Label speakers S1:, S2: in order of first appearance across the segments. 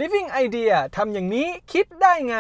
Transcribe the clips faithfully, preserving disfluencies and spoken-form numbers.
S1: Living Idea ทำอย่างนี้คิดได้ไง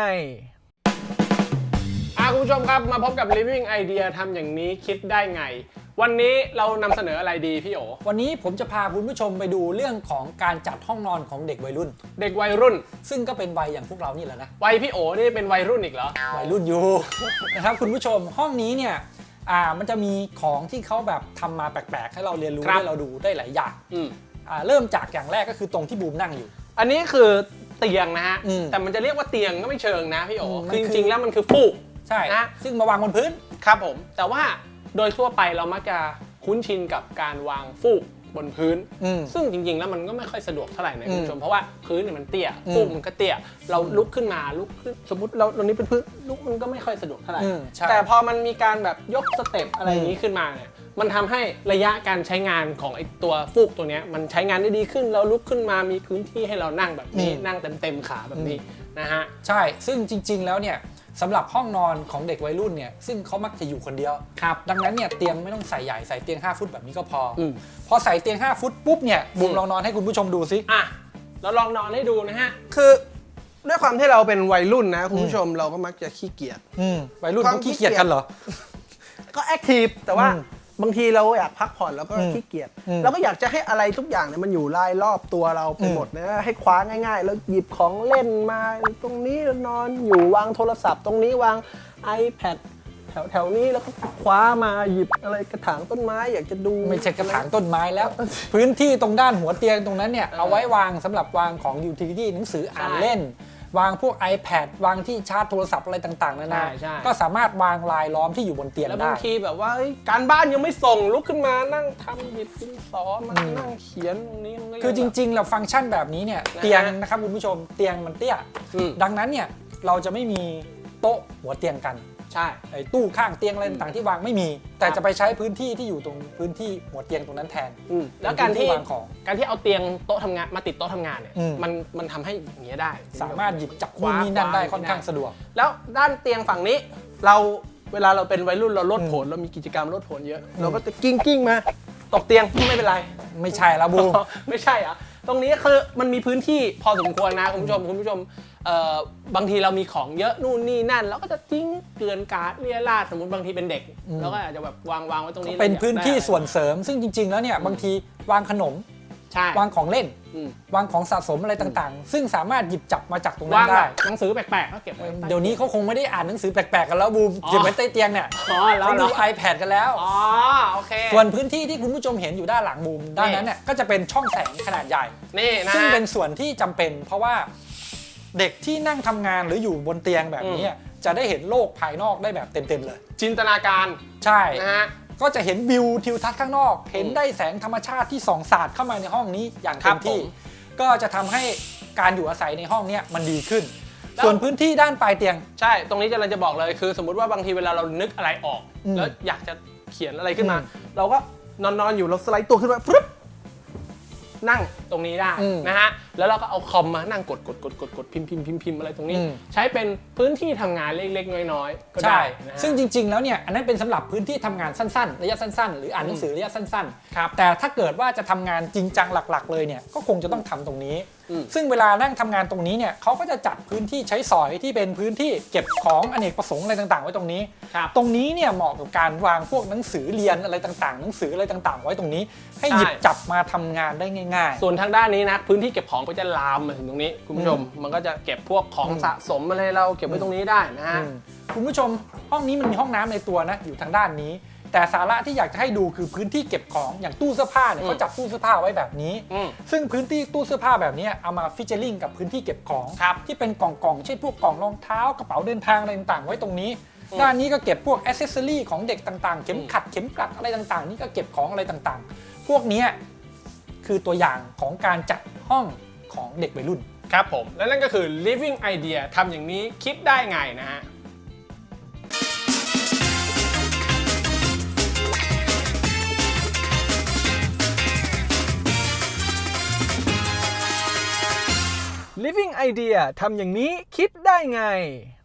S2: อ่ะคุณผู้ชมครับมาพบกับ Living Idea ทำอย่างนี้คิดได้ไงวันนี้เรานำเสนออะไรดีพี่โอ
S3: วันนี้ผมจะพาคุณผู้ชมไปดูเรื่องของการจัดห้องนอนของเด็กวัยรุ่น
S2: เด็กวัยรุ่น
S3: ซึ่งก็เป็นวัยอย่างพวกเรานี่แหละนะ
S2: วัยพี่โอนี่เป็นวัยรุ่นอีกเหรอ
S3: วัยรุ่นอยู่ นะครับคุณผู้ชมห้องนี้เนี่ยอ่ามันจะมีของที่เขาแบบทำมาแปลกๆให้เราเรียนรู้ให้เราดูได้หลายอย่างอ่าเริ่มจากอย่างแรกก็คือตรงที่บูมนั่งอยู่
S2: อันนี้คือเตียงนะฮะแต่มันจะเรียกว่าเตียงก็ไม่เชิงนะพี่โอคือจริงๆแล้วมันคือฟูก
S3: ใช่นะซึ่งมาวางบนพื้น
S2: ครับผมแต่ว่าโดยทั่วไปเรามักจะคุ้นชินกับการวางฟูกบนพื้นซึ่งจริงๆแล้วมันก็ไม่ค่อยสะดวกเท่าไหร่นะคุณผู้ชมเพราะว่าพื้นเนี่ยมันเตี้ยฟูกมันก็เตี้ยเราลุกขึ้นมาลุกขึ้นสมมติเราตรงนี้เป็นพื้นลุกมันก็ไม่ค่อยสะดวกเท่าไหร่แต่พอมันมีการแบบยกสเต็ปอะไรอย่างนี้ขึ้นมาเนี่ยมันทำให้ระยะการใช้งานของไอ้ตัวฟูกตัวนี้มันใช้งานได้ดีขึ้นเราลุกขึ้นมามีพื้นที่ให้เรานั่งแบบนี้นั่งเต็มๆขาแบบนี้นะฮะ
S3: ใช่ซึ่งจริงๆแล้วเนี่ยสำหรับห้องนอนของเด็กวัยรุ่นเนี่ยซึ่งเขามักจะอยู่คนเดียว
S2: ครับ
S3: ดังนั้นเนี่ยเตียงไม่ต้องใส่ใหญ่ใส่เตียงห้าฟุตแบบนี้ก็พอพอใส่เตียงห้าฟุตปุ๊บเนี่ยบูมลองนอนให้คุณผู้ชมดูสิ
S2: อ่ะเราลองนอนให้ดูนะฮะ
S1: คือด้วยความที่เราเป็นวัยรุ่นนะคุณผู้ชมเราก็มักจะขี้เกียจ
S3: วัยรุ่นเขาขี้เกียจกันเหรอ
S1: ก็แอคทีฟแต่ว่าบางทีเราอยากพักผ่อนแล้วก็ขี้เกียจเราก็อยากจะให้อะไรทุกอย่างเนี่ยมันอยู่รายรอบตัวเราไปหมดนะให้คว้าง่ายๆแล้วหยิบของเล่นมาตรงนี้นอนอยู่วางโทรศัพท์ตรงนี้วาง iPad แถวแถวนี้แล้วก็คว้ามาหยิบอะไรกระถางต้นไม้อยากจะดู
S3: ไม่ใช่กระถางต้นไม้แล้วพื้นที่ตรงด้านหัวเตียงตรงนั้นเนี่ยเอาไว้วางสำหรับวางของยูทิลิตี้หนังสืออ่านเล่นวางพวก iPad วางที่ชาร์จโทรศัพท์อะไรต่างๆนานาก็สามารถวางรายล้อมที่อยู่บนเตียงได้
S2: แล้วบางทีแบบว่าการบ้านยังไม่ส่งลุกขึ้นมานั่งทำหยิบดินสอมานั่งเขียนตรงนี้
S3: คือจริงๆเราฟังก์ชันแบบนี้เนี่ยเตียงนะครับคุณผู้ชมเตียงมันเตี้ยดังนั้นเนี่ยเราจะไม่มีโต๊ะหัวเตียงกัน
S2: ใช่
S3: ไอ้ตู้ข้างเตียงอะไรต่างๆที่วางไม่มีแต่จะไปใช้พื้นที่ที่อยู่ตรงพื้นที่หัวเตียงตรงนั้นแทน
S2: แล้วการที่วางของการที่เอาเตียงโต๊ะทำงานมาติดโต๊ะทำงานเนี่ยมันมันทำให้อย่างเงี้ยได้
S3: สามารถหยิบจับนู่นนี่นั่นได้ค่อนข้างสะดวก
S2: แล้วด้านเตียงฝั่งนี้เราเวลาเราเป็นวัยรุ่นเราลดผลเรามีกิจกรรมลดผลเยอะเราก็จะกิ้งกิ้งมาตกเตียงไม่เป็นไร
S3: ไม่ใช่แล้วบู
S2: ไม่ใช่อ่ะตรงนี้คือมันมีพื้นที่พอสมควรนะคุณผู้ชมคุณผู้ชมบางทีเรามีของเยอะนู่นนี่นั่นเราก็จะทิ้งเกลื่อนกาดเรี่ยราดสมมติบางทีเป็นเด็กเราก็อาจจะแบบวางวางไว้ตรงนี้
S3: เป็นพื้นที่ส่วนเสริมซึ่งจริงๆแล้วเนี่ยบางทีวางขนมวางของเล่นวางของสะสมอะไรต่างๆซึ่งสามารถหยิบจับมาจากตรงนั้นได้
S2: หนังสือแปลกๆก็เก็บไว้
S3: เดี๋ยวนี้เขาคงไม่ได้อ่านหนังสือแปลกๆกันแล้วบูมเก็บไว้ใต้เตียงเนี่ยเขาดู iPad กันแล้ว
S2: อ๋อโอเค
S3: ส่วนพื้นที่ที่คุณผู้ชมเห็นอยู่ด้านหลังบูมด้านนั้นเนี่ยก็จะเป็นช่องแสงขนาดใหญ่
S2: นี่นะ
S3: ซึ่งเป็นส่วนที่จำเป็นเพราะว่าเด็กที่นั่งทำงานหรืออยู่บนเตียงแบบนี้จะได้เห็นโลกภายนอกได้แบบเต็มๆเลย
S2: จินตนาการ
S3: ใช่นะฮะก็จะเห็นวิวทิวทัศน์ข้างนอกเห็นได้แสงธรรมชาติที่ส่องสาดเข้ามาในห้องนี้อย่างเต็มที่ก็จะทำให้การอยู่อาศัยในห้องนี้มันดีขึ้นส่วนพื้นที่ด้านปลายเตียง
S2: ใช่ตรงนี้จะเราจะบอกเลยคือสมมุติว่าบางทีเวลาเรานึกอะไรออกแล้วอยากจะเขียนอะไรขึ้นมาเราก็นอนๆอยู่เราสไลด์ตัวขึ้นมาปุ๊บนั่งตรงนี้ได้นะฮะแล้วเราก็เอาคอมมานั่งกดกดกดกดกดพิมพ์พิมพ์พิมพ์พิมพ์อะไรตรงนี้ใช้เป็นพื้นที่ทำงานเล็กๆน้อยๆก็ได้
S3: ซึ่งจริงๆแล้วเนี่ยอันนั้นเป็นสำหรับพื้นที่ทำงานสั้นๆระยะสั้นๆหรืออ่านหนังสือระยะสั้นๆแต่ถ้าเกิดว่าจะทำงานจริงจังหลักๆเลยเนี่ยก็คงจะต้องทำตรงนี้ซึ่งเวลานั่งทำงานตรงนี้เนี่ยเขาก็จะจัดพื้นที่ใช้สอยที่เป็นพื้นที่เก็บของอเนกประสงค์อะไรต่างๆไว้ตรงนี้ตรงนี้เนี่ยเหมาะกับการวางพวกหนังสือเรียนอะไรต่างๆหนังสืออะไรต่างๆไว้ตรงนี้ให้หยิบจับมาทำงานได้ง่าย
S2: ๆส่วนทางด้านนี้นะพื้นที่เก็บของก็จะลามมาถึงตรงนี้คุณผู้ชมมันก็จะเก็บพวกของสะสมอะไรเราเก็บไว้ตรงนี้ได้นะฮะ
S3: คุณผู้ชมห้องนี้มันมีห้องน้ำในตัวนะอยู่ทางด้านนี้แต่สาระที่อยากจะให้ดูคือพื้นที่เก็บของอย่างตู้เสื้อผ้าเนี่ยเขาจัดตู้เสื้อผ้าไว้แบบนี้ซึ่งพื้นที่ตู้เสื้อผ้าแบบนี้เอามาฟิชเชอร์ลิงกับพื้นที่เก็บของที่เป็นกล่องๆเช่นพวกกล่องรองเท้ากระเป๋าเดินทางอะไรต่างๆไว้ตรงนี้ด้านนี้ก็เก็บพวกแอคเซสซอรี่ของเด็กต่างๆเข็มขัดเข็มกลัดอะไรต่างๆนี่ก็เก็บของอะไรต่างๆพวกนี้คือตัวอย่างของการจัดห้องของเด็กวัยรุ่น
S2: ครับผมและนั่นก็คือ Living Idea ทำอย่างนี้คิดได้ไงนะฮะ
S1: Living Idea ทำอย่างนี้คิดได้ไง